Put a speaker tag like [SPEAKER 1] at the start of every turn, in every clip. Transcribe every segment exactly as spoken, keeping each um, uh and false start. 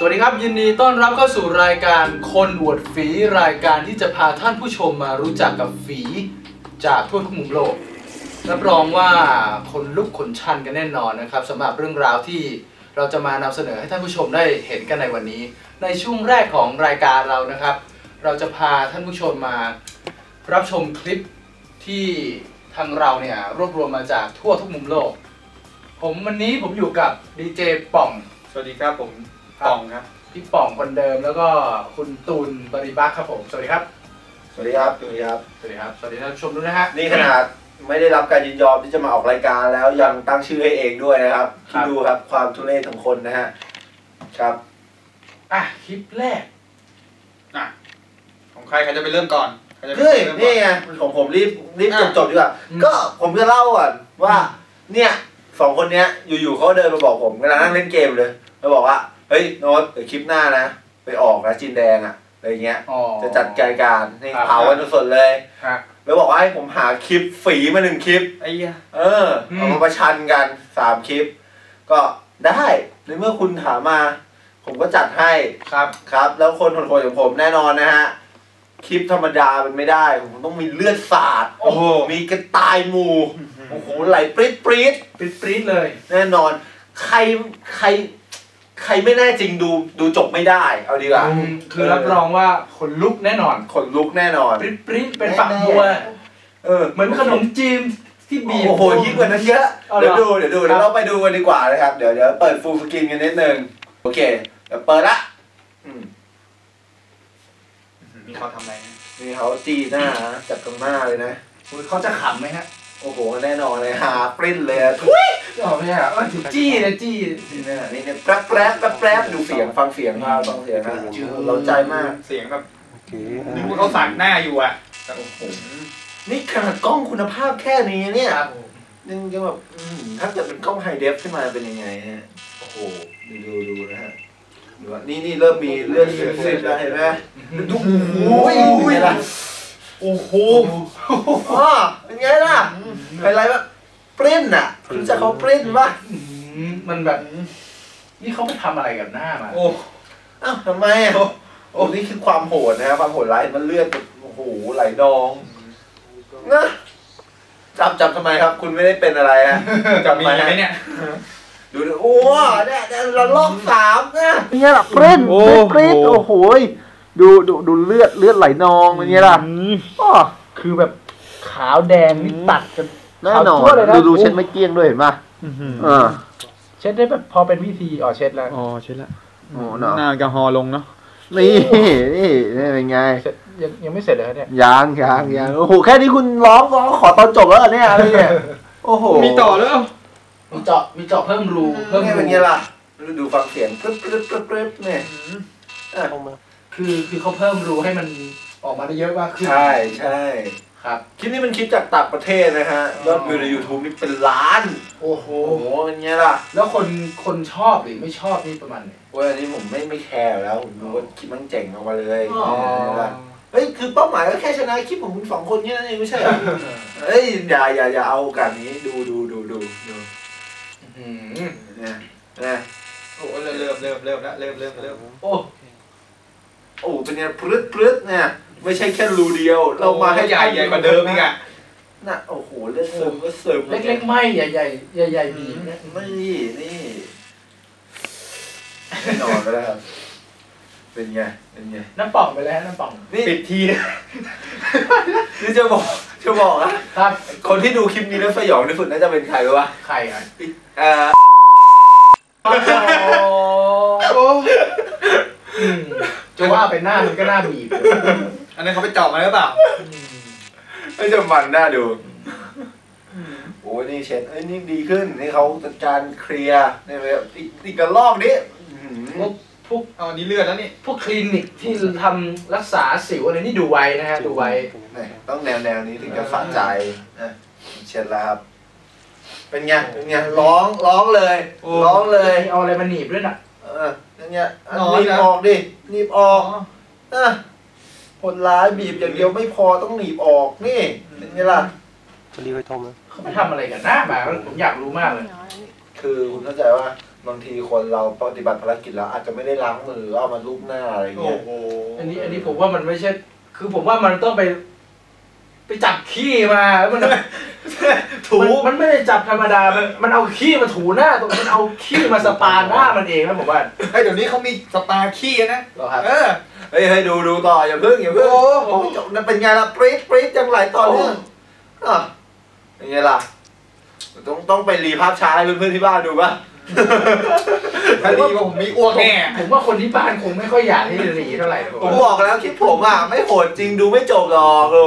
[SPEAKER 1] วัสดีครับยินดีต้อนรับเข้าสู่รายการคนอวดฝีรายการที่จะพาท่านผู้ชมมารู้จักกับฝีจากทั่วทุกมุมโลกรับรองว่าคนลุกขนชันกันแน่นอนนะครับสำหรับเรื่องราวที่เราจะมานำเสนอให้ท่านผู้ชมได้เห็นกันในวันนี้ในช่วงแรกของรายการเรานะครับเราจะพาท่านผู้ชมมารับชมคลิปที่ทางเราเนี่ยรวบรวมมาจากทั่วทุกมุมโลกผมวันนี้ผมอยู่กับดีเจป่อง
[SPEAKER 2] สวัสดีครับผมป่องครับ
[SPEAKER 1] พี่ป่องคนเดิมแล้วก็คุณตูนบริบักครับผมสวัสดีครับ
[SPEAKER 3] สวัสดีครับสวัสดีครับ
[SPEAKER 1] สวัสดีครับสวัสดีท่านผู้ชมด้วยนะฮะ
[SPEAKER 3] นี่ขนาดไม่ได้รับการยินยอมที่จะมาออกรายการแล้วยังตั้งชื่อให้เองด้วยนะครับคิดดูครับความทุเรศของคนนะฮะครับ
[SPEAKER 1] อ่ะคลิปแรก
[SPEAKER 2] อ่ะของใครใครจะไปเริ่มก่อน
[SPEAKER 3] เฮ้ยนี่ไงของผมรีบรีบจบจบดีกว่าก็ผมจะเล่าก่อนว่าเนี่ยสองคนเนี้ยอยู่ๆเขาเดินมาบอกผมกำลังนั่งเล่นเกมเลยมาบอกว่าเฮ้ยโน้ตเดี๋ยวคลิปหน้านะไปออกนะจีนแดงอะอะไรเงี้ยจะจัดรายการให้เผากันสดๆเลยแล้วบอกว่าให้ผมหาคลิปฝีมาหนึ่งคลิป
[SPEAKER 2] ไอ้เหี้ย
[SPEAKER 3] เออเอามาประชันกันสามคลิปก็ได้ในเมื่อคุณถามมาผมก็จัดให้
[SPEAKER 1] ครับ
[SPEAKER 3] ครับแล้วคนโหดๆอย่างผมแน่นอนนะฮะคลิปธรรมดามันไม่ได้ผมต้องมีเลือดสาด
[SPEAKER 1] โอ้โห
[SPEAKER 3] มีกระต่ายหมูโอ้โหไหลปรี๊ดปรี๊ด
[SPEAKER 1] ปรี๊ดปรี๊ดเลย
[SPEAKER 3] แน่นอนใครใครใครไม่แน่จริงดูดูจบไม่ได้เอาดีกว่า
[SPEAKER 1] คือรับรองว่าขนลุกแน่นอน
[SPEAKER 3] ขนลุกแน่นอน
[SPEAKER 1] ปรี๊ดปรี๊ดเป็นฝักบัว
[SPEAKER 3] เออ
[SPEAKER 1] เหมือนขนมจีนที่บีบ
[SPEAKER 3] โอ้โหยิ่งกว่านั้นเยอะเดี๋ยวดูเดี๋ยวดูเดี๋ยวเราไปดูกันดีกว่านะครับเดี๋ยวเดี๋ยวเปิดฟูลสกรีนกันนิดนึงโอเคเดี๋ยวเปิดละ
[SPEAKER 2] มีเขาทำอะไร
[SPEAKER 3] นี่เขาจี้หน้าจับตรงหน้าเลยนะ
[SPEAKER 1] เขาจะขำไหมฮะ
[SPEAKER 3] โอ้โหแน่นอนเลยหาปริ้นเลยทุย
[SPEAKER 1] อ๋อไม่ใช่อ่ะจี้เลยจี้
[SPEAKER 3] นี่เนี่ยนี่เนี่ยแป๊บแป๊บแป๊บแป๊บดูเสียงฟังเสียงมาฟังเสียงนะเราใจมาก
[SPEAKER 2] เสียงแบบนึกว่าเขาสั่งหน้าอยู่อ่ะ
[SPEAKER 3] โอ้โหนี่ขนาดกล้องคุณภาพแค่นี้เนี่ยนึงจะแบบถ้าเกิดเป็นกล้องไฮเดฟขึ้นมาเป็นยังไงฮะโอ้โหดูดูดูนะฮะดูว่านี่นี่เริ่มมีเลือดเสียดแล้วเห็นไหมดูโอ้ยโอ้โหอ๋อเป็นไงล่ะอะไรวะปริ้นอ่ะรู้จักเขาปริ้นปะ
[SPEAKER 1] มันแบบนี่เขาไปทำอะไรกับหน้ามา
[SPEAKER 3] โอ้อ้าวทำไมอ่ะโอ้นี่คือความโหดนะความโหดร้ายมันเลือดโอ้โหไหลนองนะจับจับทำไมครับคุณไม่ได้เป็นอะไรฮะ
[SPEAKER 2] จับมีไหมเนี่ย
[SPEAKER 3] ดูดิโอ้เนี่ยเราลอกสามนะ
[SPEAKER 4] เนี่ยล่ะปริ้นปริ้นโอ้โหดูดูดูเลือดเลือดไหลนองเป็นไงล่ะอ๋อ
[SPEAKER 1] คือแบบขาวแดงนี่ตัดกัน
[SPEAKER 4] แน่นอนดูดูเช็ดไม่เกี้ยงด้วยเห็นป่ะเออ
[SPEAKER 1] เช็ดได้แบบพอเป็นวิธีอ๋อเช็ดแล้ว
[SPEAKER 2] อ๋อเช็ดแล้ว
[SPEAKER 4] โอ้เนาะ
[SPEAKER 2] หน้าแอลกอฮอล์ลงเนาะ
[SPEAKER 4] นี่นี่นี่เป็นไง
[SPEAKER 1] ยังยังไม่เสร็จเลยเนี่ย
[SPEAKER 4] ยังยังยังโอ้โหแค่นี้คุณร้องร้องขอตอนจบแล้วเนี่ยอะไรเนี่ยโอ้โห
[SPEAKER 2] มีต่อแล้ว
[SPEAKER 1] มีเจาะมีเจาะเพิ่มรู
[SPEAKER 3] เพิ่มเป็นไงล่ะดูฟังเสียงปึ๊บปึ๊บปึ๊บปึ๊บเนี่ย
[SPEAKER 1] คือคือเขาเพิ่มรูให้มันออกมาได้เยอะมากขึ้น
[SPEAKER 3] ใช่ใช่
[SPEAKER 1] ครับ
[SPEAKER 3] คลิปนี้เป็นคลิปจากต่างประเทศนะฮะยอดวิวใน ยูทูบ นี่เป็นล้าน
[SPEAKER 1] โอ้โห
[SPEAKER 3] เป็นไงล่ะ
[SPEAKER 1] แล้วคนคนชอบหรือไม่ชอบนี่ประมาณไหน
[SPEAKER 3] โอ้ยอันนี้ผมไม่ไม่แคร์แล้วผมดูว่าคลิปมันเจ๋งออกมาเลยเฮ้ยคือเป้าหมายก็แค่ชนะคลิปของคุณสองคนแค่นั้นเองไม่ใช่เหรอเฮ้ยอย่าอย่าอย่าเอาการนี้ดูดูดูดูดู
[SPEAKER 2] เนี่ยเนี่ยโอ้เริ่มเริ่มเริ่มเริ่มแล้วเริ่มเริ่มเริ่ม
[SPEAKER 3] โอ้โอ้เป็นไงพรึดพรึดเนี่ยไม่ใช่แค่รูเดียวเรามาให้
[SPEAKER 2] ใหญ่ใหญ่กว่าเดิมอีกอ่ะ
[SPEAKER 3] น่ะโอ้โหเลือดซึมก็ซึม
[SPEAKER 1] เล็กๆไม่ใหญ่ใหญ่ใหญ่ใหญ่บีเนี่ย
[SPEAKER 3] ไม่นี่นี่นอนไปแล้วครับเป็นไงเป็นไง
[SPEAKER 1] น้ำป่องไปแล้วน้ำป่อง
[SPEAKER 3] ปิดทีนี่จะบอกจะบอกนะครับคนที่ดูคลิปนี้แล้วสยองที่สุดน่าจะเป็นใครรู้ป่ะ
[SPEAKER 1] ใครอ่ะ
[SPEAKER 3] เอ่อ
[SPEAKER 1] จะว่าเป็นหน้ามันก็หน้าบีบ
[SPEAKER 2] อันนั้นเขาไปเจาะมาหรือเปล่า
[SPEAKER 3] ไม่จะมันหน้าดูโอ้ยนี่เช็ดเอ้ยนี่ดีขึ้นนี่เขาจัดการเคลียร์นี่แบบอีกกระลอกนี้
[SPEAKER 1] พวกพวก
[SPEAKER 2] เอาอันนี้เลือดแล้วนี่
[SPEAKER 1] พวกคลินิกที่ทำรักษาสิวอะไรนี่ดูไวนะฮะดูไว
[SPEAKER 3] ต้องแนวแนวนี้ถึงจะสะใจเช็ดแล้วครับเป็นไงเป็นไงร้องร้องเลยร้องเลย
[SPEAKER 1] เอาอะไรมาหนีบด้วยน่ะ
[SPEAKER 3] เออเป็นไงหนีบออกดิหนีบออกอ่ะคนร้ายบีบอย่างเดียวไม่พอต้องหนีบออกนี่เป็นไงล่ะ
[SPEAKER 4] คนดีไปทมเลย
[SPEAKER 1] เขาไปทำอะไรกันหน้ามาผมอยากรู้มากเลย
[SPEAKER 3] คือคุณเข้าใจว่าบางทีคนเราปฏิบัติภารกิจแล้วอาจจะไม่ได้ล้างมือเอามาลูบหน้าอะไรเงี้ย
[SPEAKER 1] อันนี้อันนี้ผมว่ามันไม่ใช่คือผมว่ามันต้องไป ไปจับขี้มาแล้วมันถูมันไม่ได้จับธรรมดามันมันเอาขี้มาถูหน้าตัวมันเอาขี้มาสปาหน้ามันเองนะผมว่า
[SPEAKER 2] ไอ้เดี๋ยวนี้เขามีสปาขี้นะ
[SPEAKER 1] หรอครับ
[SPEAKER 2] เออ
[SPEAKER 3] เฮ้ยให้ดูดูต่ออย่าเพิ่งอย่าเพิ่งโอ้จบนั่นเป็นไงล่ะปรี๊ดปรี๊ดจังหลายตอนเรื่องอ่ะเป็นไงล่ะต้องต้องไปรีภาพช้าให้เพื่อนๆที่บ้านดูป่ะ
[SPEAKER 2] ถ้ารีผมมีอ้วกแน่
[SPEAKER 1] ผมว่าคนที่บ้านคงไม่ค่อยอยากให้รีเท่าไหร่
[SPEAKER 3] ผมบอกแล้วคลิปผมอ่ะไม่โหดจริงดูไม่จบหรอกโอ้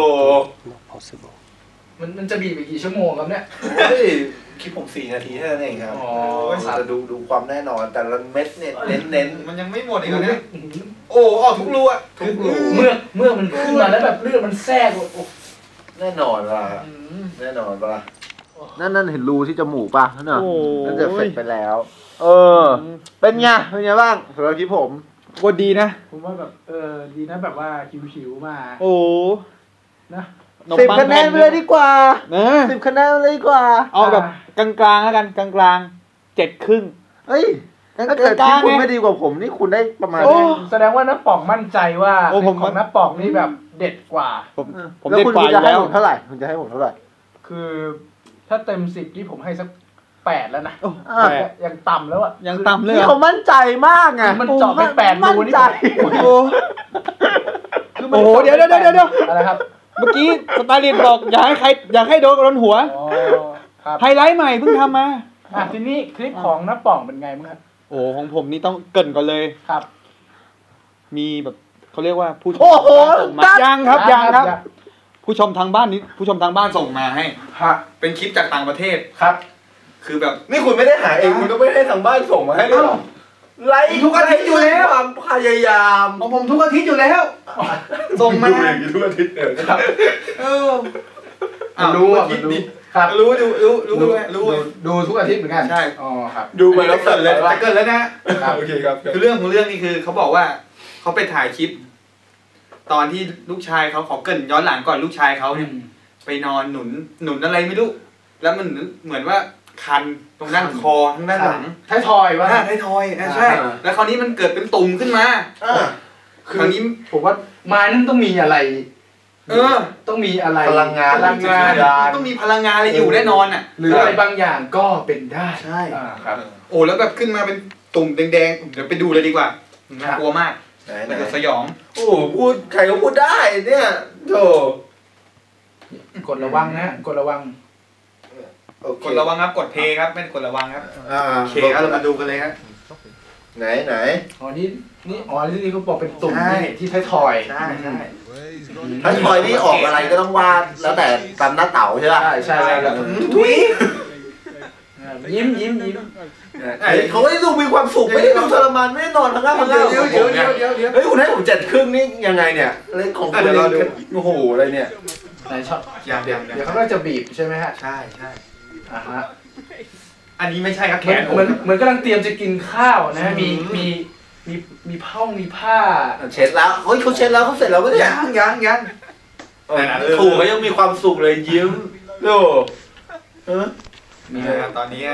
[SPEAKER 1] มันมันจะบีบไปกี่ชั่วโมงครับเนี่ย
[SPEAKER 3] เฮ้ยคลิปผมสี่นาทีเท่านั้นเองครับอ๋อจะดูดูความแน่นอนแต่ละเม็ดเนี่ยเน้นเน้น
[SPEAKER 2] มันยังไม่หมดอีกเลยโอ้ออกทุกรูอ่ะ
[SPEAKER 1] ทุกรูเมื่อเมื่อมันขึ้นมาแล้วแบบเลือดมันแทรกโอ้
[SPEAKER 3] แน่นอนว่ะแน่นอนป่ะ
[SPEAKER 4] นั่นนั่นเห็นรูที่จมูกป่ะนั่นน่ะนั่นจะเสร็จไปแล้วเออเป็นไงเป็นไงบ้างสำหรับคลิปผม
[SPEAKER 5] ก็ดีนะ
[SPEAKER 1] ผมว่าแบบเออดีนะแบบว่าชิวๆมา
[SPEAKER 5] โอ้
[SPEAKER 1] นะ
[SPEAKER 4] สิบคะแนนไปเลยดีกว่าสิบคะแนนเลยดีกว่า
[SPEAKER 5] เอาแบบกลางๆแล้วกันกลางๆเจ็ดครึ่ง
[SPEAKER 4] เฮ้ยถ้าเกิดที่คุณไม่ดีกว่าผมนี่คุณได้ประมาณนี้
[SPEAKER 1] แสดงว่าน้าป๋องมั่นใจว่าของน้าป๋องนี่แบบเด็ดกว่า
[SPEAKER 5] ผมผมเด็ดกว่า
[SPEAKER 4] อยู่แล้วเท่าไหร่คุณจะให้ผมเท่าไหร่
[SPEAKER 1] คือถ้าเต็มสิบที่ผมให้สักแปดแล้วนะยังต่ำแล้วอ่ะ
[SPEAKER 5] ยังต่ำเลย
[SPEAKER 4] นี่เขามั่นใจมากไง
[SPEAKER 1] มันเจาะไปแปดรูนี่
[SPEAKER 5] โอ้โหโอ้โหเดี๋ยวเดี๋ยวเดี๋ยวเดี๋ยว
[SPEAKER 1] อะไรครับ
[SPEAKER 5] เมื่อกี้สตาลินบอกอยากให้ใครอยากให้โดนโดนหัวไฮไลท์ใหม่เพิ่งทำมา
[SPEAKER 1] อ่ะทีนี้คลิปของน้าป่องเป็นไงมั้งครับ
[SPEAKER 5] โอ้ของผมนี่ต้องเกินก่อนเลย
[SPEAKER 1] ครับ
[SPEAKER 5] มีแบบเขาเรียกว่าผู้ชมส่งมายังครับยังครับผู้ชมทางบ้านนี้ผู้ชมทางบ้านส่งมาให้เป็นคลิปจากต่างประเทศ
[SPEAKER 1] ครับ
[SPEAKER 3] คือแบบนี่คุณไม่ได้หาเองคุณต้องไม่ให้ทางบ้านส่งมาให้ด้วยไลฟ์ทุกอาทิตย์อยู่แล้วความพยายาม
[SPEAKER 1] ของผมทุกอาทิตย์อยู่แล้วส่งมา
[SPEAKER 3] ทุกอาทิตย์เลยครับ
[SPEAKER 1] เออรู้อ่ะมันรู้
[SPEAKER 2] ครับรู้ดูรู้รู้รู้
[SPEAKER 1] ดูทุกอาทิตย์เหมือนกัน
[SPEAKER 2] ใช่
[SPEAKER 1] อ๋อครับ
[SPEAKER 2] ดูไปแล้วเกิดเลยจะเกิดแล้วนะโอเคครับคือเรื่องของเรื่องนี่คือเขาบอกว่าเขาไปถ่ายคลิปตอนที่ลูกชายเขาขอเกินย้อนหลังก่อนลูกชายเขาเนี่ยไปนอนหนุนหนุนอะไรไม่รู้แล้วมันเหมือนว่าคันตรงด้านคอทั้งด้านหลัง
[SPEAKER 1] ท้ายทอยวะ
[SPEAKER 2] ท้ายทอยใช่แล้วคราวนี้มันเกิดเป็นตุ่มขึ้นมา
[SPEAKER 1] คราวนี้ผมว่าไม้นั่นต้องมีอะไร
[SPEAKER 2] เออ
[SPEAKER 1] ต้องมีอะไร
[SPEAKER 3] พลังงาน
[SPEAKER 1] พลังงาน
[SPEAKER 2] ต้องมีพลังงานอะไรอยู่แน่นอนอ่ะ
[SPEAKER 1] หรืออะไรบางอย่างก็เป็นได้
[SPEAKER 2] ใช่ครับโอ้แล้วแบบขึ้นมาเป็นตุ่มแดงๆเดี๋ยวไปดูเลยดีกว่าน่ากลัวมากมันจะสยอง
[SPEAKER 3] โอ้พูดใครก็พูดได้เนี่ยโธ่
[SPEAKER 1] กดระวังนะกดระวัง
[SPEAKER 2] กดระวังครับกดเพย์ครับไม่กดระวังครับโอเคครับเรามาดูกันเลยครับ
[SPEAKER 3] ไหนไหน
[SPEAKER 1] อ๋อนี่นี่อ๋อที่นี่เขาบอกเป็นตุ่มที่ท้ายทอย
[SPEAKER 2] ใช่ใช่
[SPEAKER 3] ท้ายทอยนี่ออกอะไรก็ต้องวาดแล้วแต่ตามหน้าเต๋าใช่ไหม
[SPEAKER 1] ใช่ใช่แล้วทุยยิ้มยิ้มยิ้ม
[SPEAKER 3] เขาไม่ได้ดูมีความสุขไม่ได้ดูทรมานไม่ได้นอนทั้งวันทั้งคืน
[SPEAKER 2] เดี๋ยวเดี๋ยวเดี๋ยวเดี๋ยวเดี๋ยว
[SPEAKER 3] เฮ้ยคุณให้ผมเจ็ดครึ่งนี่ยังไงเนี่ยเล่นของคุณเล่นโอ้โหอะไรเนี่ย
[SPEAKER 1] ไหนชอบ
[SPEAKER 2] อย่างเดียว
[SPEAKER 1] เดี๋ยวเขาก็จะบีบใช่ไหมฮะ
[SPEAKER 2] ใช่ใช่
[SPEAKER 1] อ่าฮะ
[SPEAKER 2] อันนี้ไม่ใช่ครับแขน
[SPEAKER 1] เหมือนเหมือนกำลังเตรียมจะกินข้าวนะมีมีมีมีผ้ามีผ้า
[SPEAKER 3] เช็ดแล้วเฮ้ยเขาเช็ดแล้วเขาเสร็จแล้วก็
[SPEAKER 2] ยังยังยัง
[SPEAKER 3] ถูกเขายังมีความสุขเลยยิ้มโอ้เออ
[SPEAKER 2] นี่ครับตอนนี้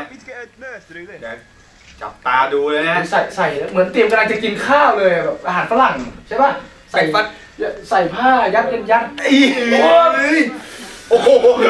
[SPEAKER 2] จับตาดูเลยนะ
[SPEAKER 1] ใส่ใส่เหมือนเตรียมกำลังจะกินข้าวเลยแบบอาหารฝรั่งใช่ป่ะ
[SPEAKER 2] ใส่ฟัด
[SPEAKER 1] ใส่ผ้ายัดยัดยัด
[SPEAKER 3] โอ้โห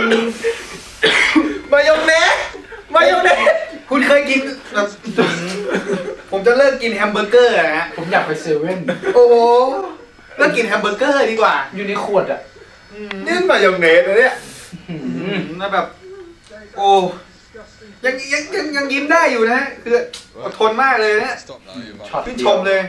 [SPEAKER 3] มายองเนสมายองเนส
[SPEAKER 2] คุณเคยกินแบบผมจะเลิกกินแฮมเบอร์เกอร์นะ
[SPEAKER 1] ผมอยากไปเซเว่น
[SPEAKER 2] โอ้โหเลิกกินแฮมเบอร์เกอร์ดีกว่า
[SPEAKER 1] อยู่ในขวดอ่ะ
[SPEAKER 3] นี่มายองเนสนะเนี่ย
[SPEAKER 2] น่าแบบโอ้ยังยังยังยังยิ้มได้อยู่นะคืออดทนมากเลยนะชื่นชมเลย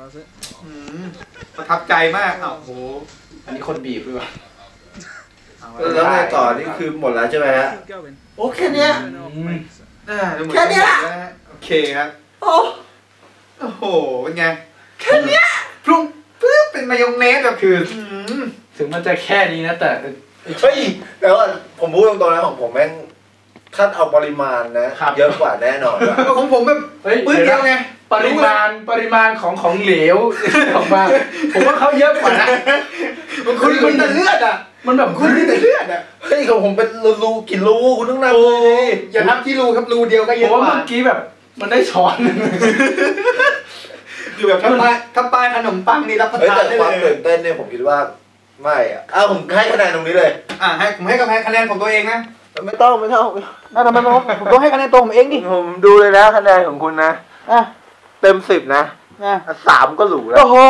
[SPEAKER 2] ประทับใจมากอ้าวโห
[SPEAKER 1] อันนี้คนบีบด้วย
[SPEAKER 3] แล้วไงต่อนี่คือหมดแล้วใช่ไหมฮะโอเคเนี้ยแค่เนี้ย
[SPEAKER 2] โอเคครับ
[SPEAKER 3] โอ้
[SPEAKER 2] โอ้โหเป็นไง
[SPEAKER 3] แค่เนี้ย
[SPEAKER 2] พรุ่งปึ๊บเป็นมายองเนสแบบคือ
[SPEAKER 1] ถึงมันจะแค่นี้นะแต่
[SPEAKER 3] เฮ้ยแต่ว่าผมพูดตรงๆนะของผมแม่งถ้าเอาปริมาณนะเยอะกว่าแน่นอน
[SPEAKER 2] ของผมแบบปื้ดเดียวไง
[SPEAKER 1] ปริมาณปริมาณของของเหลวออกมาผมว่าเขาเยอะกว่านะ
[SPEAKER 2] มันคุณมันแต่เลือดอ่ะ
[SPEAKER 1] มันแบบ
[SPEAKER 2] คุณนี่แต่เลือดอ่ะ
[SPEAKER 3] เฮ้ยของผมเป็นรูกินรูคุณต้องนับ
[SPEAKER 2] เลยอย่านับที่รูครับรูเดียวก็เยอะกว่า
[SPEAKER 1] เมื่อกี้แบบมันได้ช้อนหนึ่ง
[SPEAKER 2] คือแบบถ้าป้ายถ้าป้ายขนมปังนี่รับประ
[SPEAKER 3] เฮ้ย
[SPEAKER 2] ทาน
[SPEAKER 3] แต่
[SPEAKER 2] ได้
[SPEAKER 3] ความ
[SPEAKER 2] เล
[SPEAKER 3] ตื่
[SPEAKER 2] ย
[SPEAKER 3] นเต้นเนี่ยผมคิดว่าไม่อะอ้าวผมให้คะแนนตรงนี้เลย
[SPEAKER 2] อ่ะให้ผมให้คะแนนของตัวเองนะ
[SPEAKER 4] ไม่ต้องไม่ต้อง
[SPEAKER 5] น่าทำไมผมผมต้องให้คะแนนตัวผมเองดิ
[SPEAKER 4] ผมดูเลยนะคะแนนของคุณนะ
[SPEAKER 5] อ่ะ
[SPEAKER 4] เต็มสิบนะ
[SPEAKER 5] อ่ะ
[SPEAKER 4] สามก็หรูแล้ว
[SPEAKER 5] โอ้โห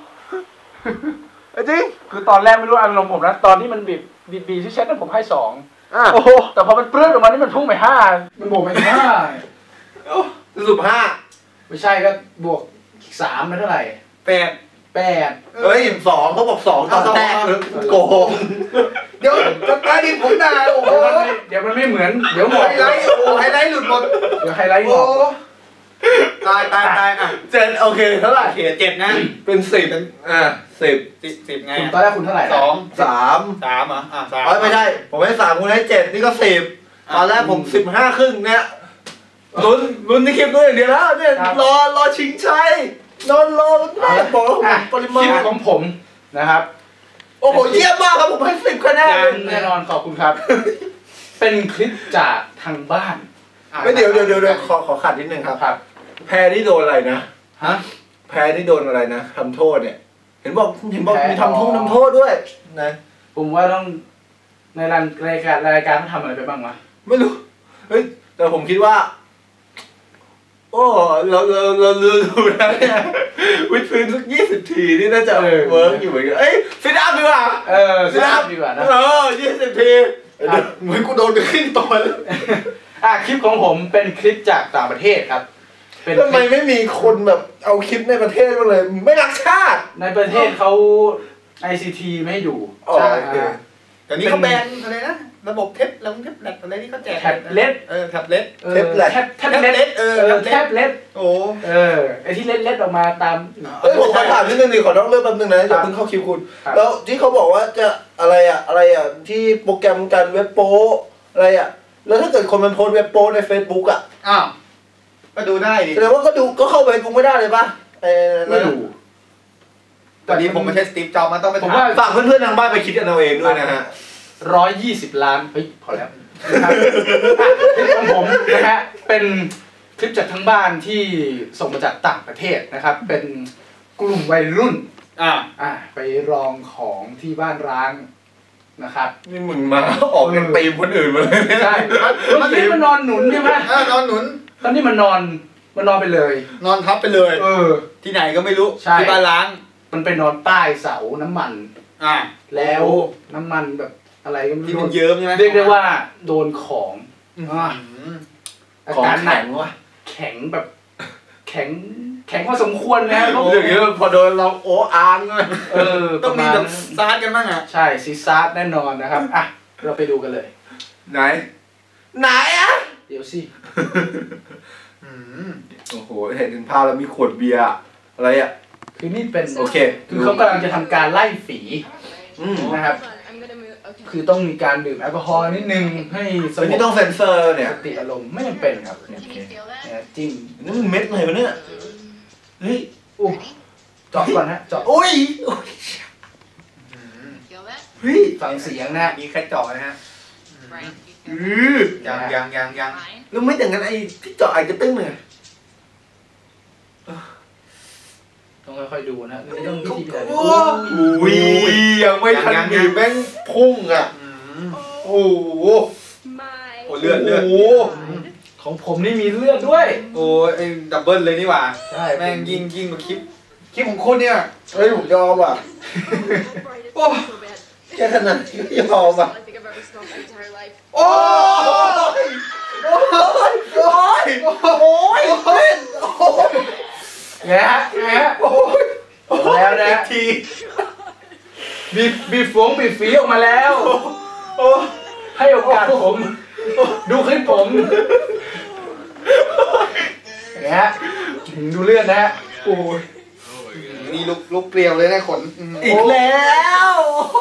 [SPEAKER 4] จริง
[SPEAKER 6] คือตอนแรกไม่รู้อารมณ์ผมนะตอนที่มันบีบบีบบีที่เช็ดนั้นผมให้สอง
[SPEAKER 4] อ่ะ
[SPEAKER 5] โอ้โห
[SPEAKER 6] แต่พอมันเปลื้อนออกมานี่มันพุ่งไปห้า
[SPEAKER 1] มันบวกไปห้า
[SPEAKER 3] สรุปห้า
[SPEAKER 1] ไม่ใช่ก็บวกอีกสามเป็นเท่าไหร่
[SPEAKER 2] แปด
[SPEAKER 1] แปด
[SPEAKER 3] เฮ้ยสองเขาบอกสองตอนแรกโกง
[SPEAKER 2] เดี๋ยวจะตายดิผมด่าโอ้โห
[SPEAKER 1] เดี๋ยวมันไม่เหมือนเดี๋ยวหม
[SPEAKER 2] ไฮ
[SPEAKER 1] ด
[SPEAKER 2] ไลท์โอ้โหไฮไลท์หลุดหมด
[SPEAKER 1] เดี๋ยวไฮไลท์หม
[SPEAKER 2] โอ้
[SPEAKER 1] ด
[SPEAKER 2] ตายตายตายอ่ะ
[SPEAKER 3] เจ็ดโอเคเท่าไหร่
[SPEAKER 2] เขียเจ็ดนะ
[SPEAKER 3] เป็นสิบอ่าสิบ
[SPEAKER 2] สิบสิบไง
[SPEAKER 1] คุณตอนแรกคุณเท่าไหร่นะ
[SPEAKER 2] สอง
[SPEAKER 3] สาม
[SPEAKER 2] สามเหรออ่ะสาม
[SPEAKER 3] อ๋อไม่ใช่ผมให้สามคุณให้เจ็ดนี่ก็สิบตอนแรกผมสิบห้าครึ่งเนี่ยลุ้นลุ้นในคลิปด้วยอย่างเดียวแล้วเนี่ยรอรอชิงชัยนอนรอแม่บอกแล้วผม
[SPEAKER 1] อ่ะ
[SPEAKER 3] ปริมา
[SPEAKER 1] คลิป
[SPEAKER 3] ณ
[SPEAKER 1] ของผมนะครับ
[SPEAKER 3] โอ้โหเยี่ยมมากครับผมให้สิบคะแนน
[SPEAKER 1] ยังแน่นอนขอบคุณครับ เป็นคลิปจากทางบ้าน
[SPEAKER 3] ไม่เดี๋ยวเดี๋ยวเดี๋ยวเดี๋ยวขอขอขัดนิดนึงครับ
[SPEAKER 1] ครับ
[SPEAKER 3] แพ้ที่โดนอะไรนะ
[SPEAKER 1] ฮะ
[SPEAKER 3] แพ้ที่โดนอะไรนะทำโทษเนี่ย เห็นบอกเห็นบอก
[SPEAKER 1] แพ้
[SPEAKER 3] มีทำโทษทำโทษด้วยนะ
[SPEAKER 1] ผมว่าต้องในรายรายการรายการเขาทำอะไรไปบ้างวะ
[SPEAKER 3] ไม่รู้เฮ้ยแต่ผมคิดว่า โอ้เราเราเราเราดูแล้วเนี่ยวิดพื้นสักยี่สิบทีนี่น่าจะเวิร์กอยู่เหมือนกันเอ้ยซิดอัพดีกว่า
[SPEAKER 1] เออ
[SPEAKER 3] ซิดอัพ
[SPEAKER 1] ดีกว่านะ
[SPEAKER 3] เออยี่สิบทีเหมือนกูโดนไปขึ้นตัวเลย
[SPEAKER 1] อ่ะคลิปของผมเป็นคลิปจากต่างประเทศครับ เป็นค
[SPEAKER 3] ทำไม
[SPEAKER 1] ลิป
[SPEAKER 3] ไม่มีคนแบบเอาคลิปในประเทศมาเลย ไม่รักชาติ
[SPEAKER 1] ในประเทศเขา ไอ ซี ที ไม่ให้ดู
[SPEAKER 3] อ๋อ
[SPEAKER 1] ใช่
[SPEAKER 3] โอเค
[SPEAKER 2] เดี๋ยวนี้เขาแบนอะไรนะระบบเท็บแล้วเท็บแลตอะไรที่เขาแจก
[SPEAKER 1] แท็บเล็ต
[SPEAKER 2] เออแท็บเล็ต
[SPEAKER 1] ออ
[SPEAKER 3] แท็บเล็ต
[SPEAKER 1] แท็บแท็บเล็ต
[SPEAKER 2] เออ
[SPEAKER 1] เออแท็บเล็ต
[SPEAKER 2] โอ้
[SPEAKER 1] เออไอที่เล็ดเล็ดออกมาตาม
[SPEAKER 3] เอ้ยผมขอถามนิดนึงดิขอนอกเรื่องแป๊บนึงนะอย่าเพิ่งเข้าคิวคุณ
[SPEAKER 1] ครับ
[SPEAKER 3] แล้วที่เขาบอกว่าจะอะไรอะอะไรอะที่โปรแกรมการเว็บโป้อะไรอะแล้วถ้าเกิดคนมันโพสต์เว็บโป้ใน Facebook อะ
[SPEAKER 2] อ้าวก็ดูได้ดิ
[SPEAKER 3] แสดงว่าก็ดูก็เข้าไปกูไม่ได้เลยปะเออ
[SPEAKER 1] ไม่รู้
[SPEAKER 2] ตอนนี้ผมไม่ใช่สตีฟจ็อบส์มันต้องไป
[SPEAKER 1] ผม
[SPEAKER 2] ถาม
[SPEAKER 1] ว่า
[SPEAKER 3] ฝากเพื่อนๆทางบ้านไปคิดกันเอาเองด้วยนะฮะ
[SPEAKER 1] ร้อยยี่สิบล้านเฮ้ยพอแล้วนะครับอ่ะคลิปของผมนะฮะเป็นคลิปจากทั้งบ้านที่ส่งมาจากต่างประเทศนะครับ เป็นกลุ่มวัยรุ่น
[SPEAKER 2] อ่า
[SPEAKER 1] อ่ะไปรองของที่บ้านร้างนะครับ
[SPEAKER 3] นี่มึงมาออกเป็นตีมคนอื่นมาเลยเนี่ย
[SPEAKER 1] ใช่เมื่อกี้มันนอนหนุนใช่ไหม
[SPEAKER 2] เออนอนหนุน
[SPEAKER 1] ตอนนี้มันนอนมันนอนไปเลย
[SPEAKER 2] นอนทับไปเลย
[SPEAKER 1] เออ
[SPEAKER 2] ที่ไหนก็ไม่รู้
[SPEAKER 1] ใช่
[SPEAKER 2] ที่บ้านล้าง
[SPEAKER 1] มันไปนอนใต้เสาน้ำมัน
[SPEAKER 2] อ่า
[SPEAKER 1] แล้วน้ำมันแบบอะไรก็ไม่
[SPEAKER 2] ที่
[SPEAKER 1] รู้
[SPEAKER 2] มันเยิ้มใช่ไหม
[SPEAKER 1] เรียกได้ว่าโดนของ
[SPEAKER 2] อืม
[SPEAKER 1] อ่ะอา
[SPEAKER 3] ของ
[SPEAKER 1] การหนั
[SPEAKER 3] แข็
[SPEAKER 1] ก
[SPEAKER 3] งวะ
[SPEAKER 1] แข็งแบบ แข็งแข็งพอสมควรนะ
[SPEAKER 3] เรื่องนี้พอโดนเราโอ้อางเลย
[SPEAKER 1] เออ
[SPEAKER 2] ต้องมี
[SPEAKER 1] ประาณ
[SPEAKER 2] แบบซาดกันบ้างอ่ะ
[SPEAKER 1] ใช่ซีซาร์แน่นอนนะครับอ่ะเราไปดูกันเลย
[SPEAKER 3] ไหน ไหนอะ
[SPEAKER 1] เดี๋ยวสิ
[SPEAKER 2] อืม
[SPEAKER 3] โอ้โหเห็นถึงภาพแล้วมีขวดเบียร์อะอะไรอะ
[SPEAKER 1] คือนี่เป็น
[SPEAKER 3] โอเค
[SPEAKER 1] คือเขากำลังจะทำการไล่ฝี
[SPEAKER 3] อืม
[SPEAKER 1] นะครับ คือต้องมีการดื่มแอลกอฮอล์นิดนึงให้ส
[SPEAKER 3] เฮ้ย
[SPEAKER 1] ง
[SPEAKER 3] นี่
[SPEAKER 1] บ
[SPEAKER 3] ต้องเซ็นเซอร์เนี่ย
[SPEAKER 1] สติอารมณ์ไม่จำเป็นครับเนี่ยเนี่ยจิ้ม
[SPEAKER 3] นี่มันเม็ดอะไรวะเนี่ย เฮ้ย
[SPEAKER 1] อู้เจาะก่อนฮะเจาะ
[SPEAKER 3] โอ้ยเฮ้ย
[SPEAKER 1] ฟังเสียงนะ
[SPEAKER 2] มีแค่เจาะนะฮะ
[SPEAKER 3] อือ
[SPEAKER 2] ยังยังยังยัง
[SPEAKER 3] แล้วไม่อย่างนั้นไอ้ที่เจาะไอ้กระตึ้งเนี่ย
[SPEAKER 1] ต้องค่อยๆดูนะไม่ต้องวิธีแบบ
[SPEAKER 3] โอ้ยยังไม่ทันบีบแม่งพุ่งอ่ะ
[SPEAKER 2] อืม
[SPEAKER 3] โอ้โห
[SPEAKER 2] โอ้เลือดเลือด
[SPEAKER 3] โอ้โห
[SPEAKER 1] ของผมนี่มีเลือดด้วย
[SPEAKER 2] โอ้ไอ้ดับเบิลเลยนี่หว่า
[SPEAKER 1] ใช่
[SPEAKER 2] แม่งยิงยิงกว่าคลิปคลิปของคุณเนี่ย
[SPEAKER 3] เฮ้ยผมยอมอ่ะ
[SPEAKER 2] โอ้
[SPEAKER 3] แค่ขนาดนี้ก็ยอมอ่ะ
[SPEAKER 2] โอ้ย
[SPEAKER 3] โอ้ยโอ้ยโอ้ยโอ้ยโอ้ย
[SPEAKER 1] ไงฮะไงฮะ
[SPEAKER 3] โอ้ย
[SPEAKER 1] แล้วนะ
[SPEAKER 3] อีกที
[SPEAKER 1] บีบบีบฟงบีบฝีออกมาแล้ว
[SPEAKER 3] โอ้ย
[SPEAKER 1] ให้โอกาสผม ดูคลิปผมไงฮะดูเลือดนะฮะ
[SPEAKER 3] โอ้ย
[SPEAKER 2] นี่ลุกลุกเกลียวเลยนะขนอืม
[SPEAKER 3] อีกแล้ว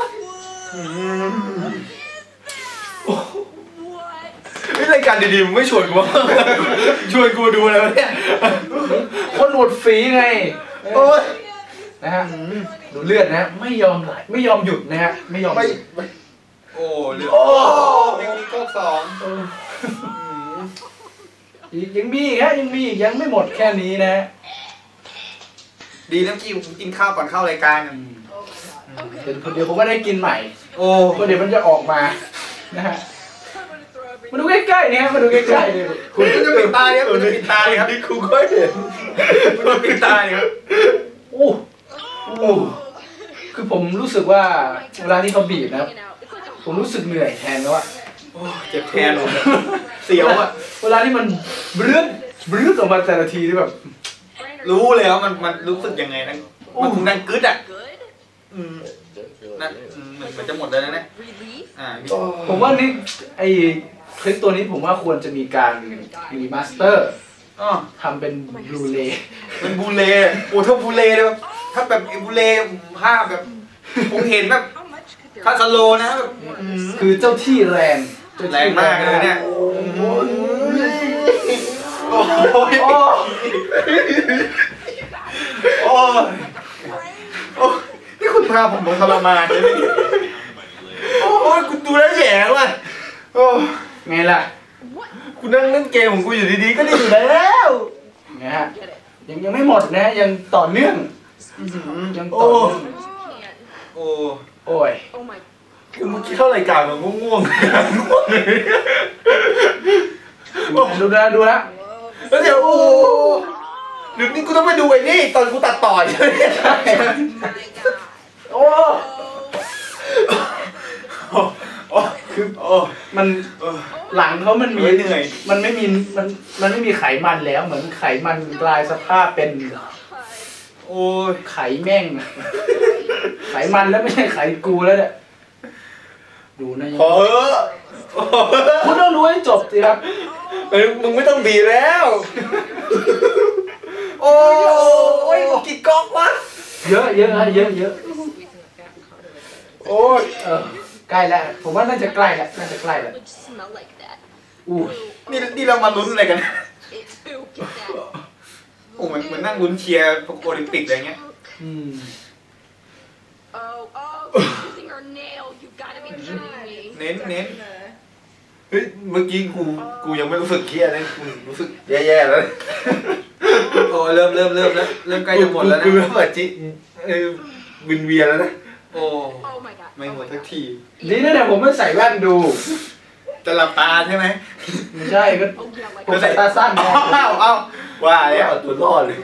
[SPEAKER 3] นี่รายการดีๆมึงไม่ชวนกูวะชวนกูดูอะไรวะเนี่ย
[SPEAKER 1] คนหนวดฝีไง
[SPEAKER 3] โอ้ย
[SPEAKER 1] นะฮะดูเลือดนะฮะไม่ยอมไหลไม่ยอมหยุดนะฮะไม่ยอมห
[SPEAKER 3] ไม่
[SPEAKER 1] ยุด
[SPEAKER 3] ไม่
[SPEAKER 2] โอ้เลือด
[SPEAKER 3] โอ้
[SPEAKER 2] ยังมีก๊อกสอง
[SPEAKER 3] โ
[SPEAKER 1] ยังมีอีกฮะยังมีอีกยังไม่หมดแค่นี้นะ
[SPEAKER 2] ดีนะกี้ผมกินข้าวก่อนเข้ารายการอะ
[SPEAKER 1] เดี๋ยวเดี๋ยวผมก็ได้กินใหม่
[SPEAKER 2] โอ้
[SPEAKER 1] ก็เดี๋ยวมันจะออกมานะฮะมาดูใกล้ๆนี่ฮะมาดูใกล้ๆเลย
[SPEAKER 2] คุณจะปิดตาเนี่ยคุณจะปิดตาเลยครับ
[SPEAKER 3] นี่กูก็เห็น
[SPEAKER 2] คุณจะปิดตาเลยครับ
[SPEAKER 1] โอ้โอ้คือผมรู้สึกว่าเวลาที่เขาบีบนะครับผมรู้สึกเหนื่อยแทนแล้วอะ
[SPEAKER 2] โอ้เจ็บแทนผมเสียวอะ
[SPEAKER 1] เวลาที่มันบรื้ดบรื้ดออกมาแต่ละทีที่แบบ
[SPEAKER 2] รู้เลยว่ามันมันรู้สึกยังไงนะมันคงดังกึดอ่ะอืมนะอืมเหมือนมันจะหมดแล้วนะเนี่ยอ่า
[SPEAKER 1] ผมว่านี่ไอคลิปตัวนี้ผมว่าควรจะมีการรีมาสเตอร์
[SPEAKER 2] อ๋อ
[SPEAKER 1] ทำเป็นบลูเรย์
[SPEAKER 2] เป็นบูเล่โอ้ถ้าบูเล่เลยแบบถ้าแบบไอ้บูเล่ภาพแบบผมเห็นแบบคาสโลนะแบบอืม
[SPEAKER 1] คือเจ้าที่แรงเจ้ที่
[SPEAKER 2] แรงมากเลยเนี่ย
[SPEAKER 1] โอ้โห
[SPEAKER 2] โอ้ย
[SPEAKER 1] โอ้
[SPEAKER 2] โอ้ยโอ้ยนี่คุณพาผมลงทรมานเลยเนี่ยโอ้ยคุณดูแล้วแย่ว่ะโอ้ย
[SPEAKER 1] ไงล่ะ
[SPEAKER 2] กูนั่งเล่นเกมของกูอยู่ดีๆก็ได้อยู่แล้ว
[SPEAKER 1] ไงฮะยังยังไม่หมดนะยังต่อเนื่องยังต่อเนื่อง
[SPEAKER 2] โอ้
[SPEAKER 1] โอ้ย
[SPEAKER 3] คือเมื่อกี้เข้ารายการมันง่วงๆ
[SPEAKER 1] ดูนะดูนะ
[SPEAKER 3] แล้วเดี๋ยวโอ้เดี๋ยวนี้กูต้องไปดูไอ้นี่ตอนกูตัดต่อใช่ไหม
[SPEAKER 1] โอ้คือมันหลังเขามันมี
[SPEAKER 2] เหนื่อย
[SPEAKER 1] มันไม่มีมันมันไม่มีไขมันแล้วเหมือนไขมันกลายสภาพเป็น
[SPEAKER 2] โอ้ย
[SPEAKER 1] ไขแม่ง ไขมันแล้วไม่ใช่ไขกูแล้วเนี่ยดูนะยัง
[SPEAKER 3] พอเถอะ
[SPEAKER 1] คุณต้องรู้ให้จบสิครับ
[SPEAKER 3] เอ้ยมึงไม่ต้องบีบแล้ว โอ้ยกี่ก๊อกวะ
[SPEAKER 1] เยอะเยอะฮะเยอะเยอะ
[SPEAKER 3] โอ้ย
[SPEAKER 1] เออใกล้แล้วผมว่าน่าจะใกล้แล้วน่าจะใกล้แล้วอู้ย
[SPEAKER 2] นี่นี่เรามาลุ้นอะไรกันโอ้เหมือนเหมือนนั่งลุ้นเชียร์โอลิมปิกอะไรเงี้ย
[SPEAKER 1] อืม
[SPEAKER 2] เน้นเน้น
[SPEAKER 3] เฮ้ยเมื่อกี้กูกูยังไม่รู้สึกเครียดเลยกูรู้สึกแย่ๆแล้ว
[SPEAKER 2] โอ้เริ่มเริ่มเริ่มแล้วเริ่มใกล้จะหมดแล้วนะ
[SPEAKER 3] กูเริ่มแบบจิเออวินเวียนแล้วนะ
[SPEAKER 2] โอ้ไม่หมดสักที
[SPEAKER 1] นี่นั่นแหละผมไม่ใส่แว่นดู
[SPEAKER 2] จะหลับตาใช่ไหม
[SPEAKER 1] ไม่ใช่ก็ผมใส่ตาสั้นไง
[SPEAKER 2] อ้าวอ้าวว่าแล้ว
[SPEAKER 3] เอาตัวรอดเลย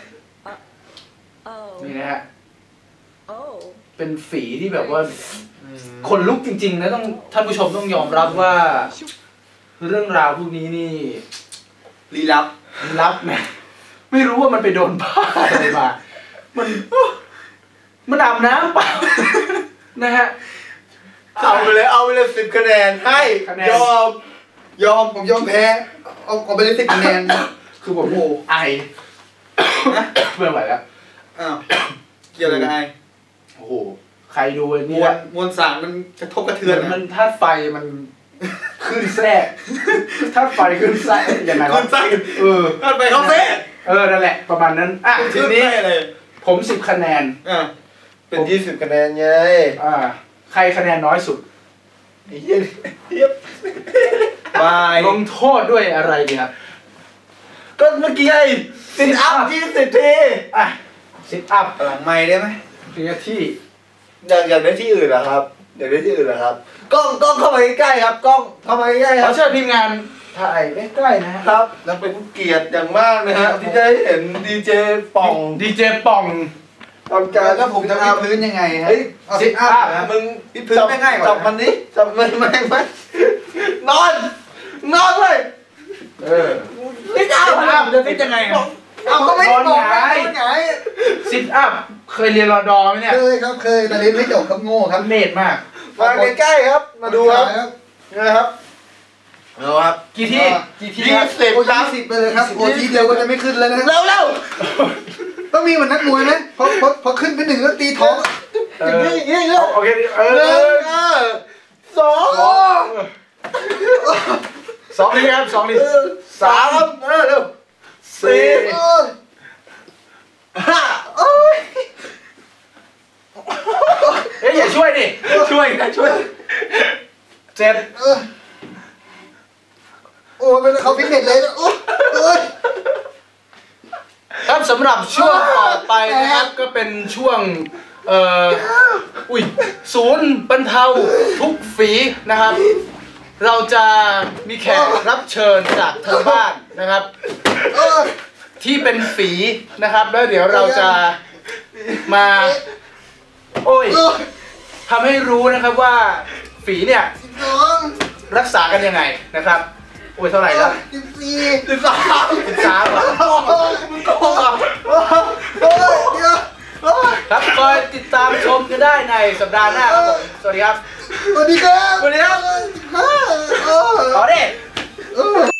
[SPEAKER 1] นี่นะฮะเป็นฝีที่แบบว่าคนลุกจริงๆนะต้องท่านผู้ชมต้องยอมรับว่า เรื่องราวพวกนี้นี่
[SPEAKER 2] ลี้ลับ
[SPEAKER 1] รับนะไม่รู้ว่ามันไปโดนบ้าอะไรมา มันมันอาบน้ำเปล่า นะฮะ
[SPEAKER 3] เอาไปเลยเอาไปเลยสิบคะแนนให้
[SPEAKER 1] คะแนน
[SPEAKER 3] ยอมยอมผมยอมแพ้เอาเอาไปเลยสิบคะแนน
[SPEAKER 1] คือผมไอเพื่อนไหวแล้ว
[SPEAKER 2] อ้าวเกี่ยวอะไรกับไอ
[SPEAKER 1] โอ้โหใครดู
[SPEAKER 2] ม
[SPEAKER 1] นี่
[SPEAKER 2] วล
[SPEAKER 1] นะ
[SPEAKER 2] มวลสารมันกระทบกระ
[SPEAKER 1] เห
[SPEAKER 2] เทือน
[SPEAKER 1] มือนมั
[SPEAKER 2] นะ
[SPEAKER 1] นธาตุไฟมันขึ้นแทรกธาตุไฟขึ้นแทรกยังไง
[SPEAKER 2] คุ
[SPEAKER 1] วะ
[SPEAKER 2] ณไส้
[SPEAKER 1] เออ
[SPEAKER 2] ก็ไปเขาเซ่
[SPEAKER 1] เออนั่นแหละประมาณนั้นอ่ะที
[SPEAKER 2] ขึ้น
[SPEAKER 1] นี้
[SPEAKER 2] ไส้เลย
[SPEAKER 1] ผมสิบคะแนน
[SPEAKER 2] อ่า
[SPEAKER 3] เป็นยี่สิบคะแนนไง
[SPEAKER 1] อ่าใครคะแนนน้อยสุด
[SPEAKER 3] ไอ้เหี้ยเหี้ย
[SPEAKER 2] บาย
[SPEAKER 1] ลงโทษด้วยอะไรดีครับ
[SPEAKER 3] ก็เมื่อกี้ไอ้สิบอัพยี่สิบที
[SPEAKER 1] อ่ะซิทอัพ
[SPEAKER 2] หลังไม้ได้ไหม
[SPEAKER 1] ทีละที่
[SPEAKER 3] อยากอยากได้ที่อื่นเหรอครับอยากได้ที่อื่นเหรอครับกล้องกล้องเข้ามาใกล้ๆครับกล้องเข้ามาใกล้ๆ
[SPEAKER 1] ข
[SPEAKER 3] ค
[SPEAKER 1] อ
[SPEAKER 3] รับ
[SPEAKER 1] เชิญทีมงานถ่ายใกล้ๆนะฮะ
[SPEAKER 3] ครับแล้วเป็นเกียรติอย่างมากนะฮะที่ได้เห็นดีเจป่อง
[SPEAKER 1] ดีเจป่อง
[SPEAKER 3] ตอนการ
[SPEAKER 2] แล้วผมจะวิดพื้นยังไงฮะ
[SPEAKER 3] เฮ้ย
[SPEAKER 2] เอาซิทอัพนะ
[SPEAKER 3] มึง
[SPEAKER 2] วิดพื้นไม่ง่ายกว่า
[SPEAKER 3] จับมันนี้จับมันไม่ไม่นอนนอนเลย
[SPEAKER 1] เออ
[SPEAKER 3] นี่เอา
[SPEAKER 2] ซิทอัพจะฟิตยังไงอะ
[SPEAKER 3] เอาก็ไม่
[SPEAKER 1] นอน
[SPEAKER 3] บอก
[SPEAKER 1] หงาย
[SPEAKER 3] นอนหงาย
[SPEAKER 1] ซิทอัพเคยเรียนรอดอไหมเนี่ย
[SPEAKER 3] เคยครับเคยแต่เรียนไม่จบครับโง่ครับ
[SPEAKER 1] เนตมาก
[SPEAKER 3] มาใกล้ๆครับ มาดูครับนะครับเอาครับ
[SPEAKER 1] กี่ที่กี่ที่
[SPEAKER 3] ยี่
[SPEAKER 1] ครับ
[SPEAKER 3] สิบครับสิบไปเลยครับโอ้ทีเดียวก็จะไม่ขึ้นแล้วนะเร็วเร็วต้องมีเหมือนนักมวยไหมพอพอพอขึ้นไปหนึ่งแล้วตีท้องอย่างนี้อย่างนี้อย่างนี้
[SPEAKER 1] โอเคเอ
[SPEAKER 3] หนึ่
[SPEAKER 1] อง
[SPEAKER 3] เออสอง
[SPEAKER 1] สองนี่ครับสองนี่
[SPEAKER 3] สามเออเร็วสี่ห้าโอ้ย
[SPEAKER 1] เอ้ยอย่าช่วยดิช่วยนะช่วยเจ็ด
[SPEAKER 3] โอ้ยเป็นเขาฟิตเนสเลยนะโอ้
[SPEAKER 1] ำหรับช่วงต่อไปนะครับก็เป็นช่วงเอ่ออุ้ยศูนย์บรรเทาทุกฝีนะครับ เราจะมีแขกรับเชิญจากทางบ้านนะครับ ที่เป็นฝีนะครับแล้วเดี๋ยวเราจะมาโอ้ยทำให้รู้นะครับว่าฝีเนี่ยรักษากันยังไงนะครับโอ้ยเท่าไหร่แล้วสิบสี่สิบสามสิบสามครับคอยติดตามชมกันได้ในสัปดาห์หน้าครับผมสวัสดีครับ
[SPEAKER 3] สวัสดีครับ
[SPEAKER 1] สวัสดีครับ
[SPEAKER 3] เออ
[SPEAKER 1] ต่อดิ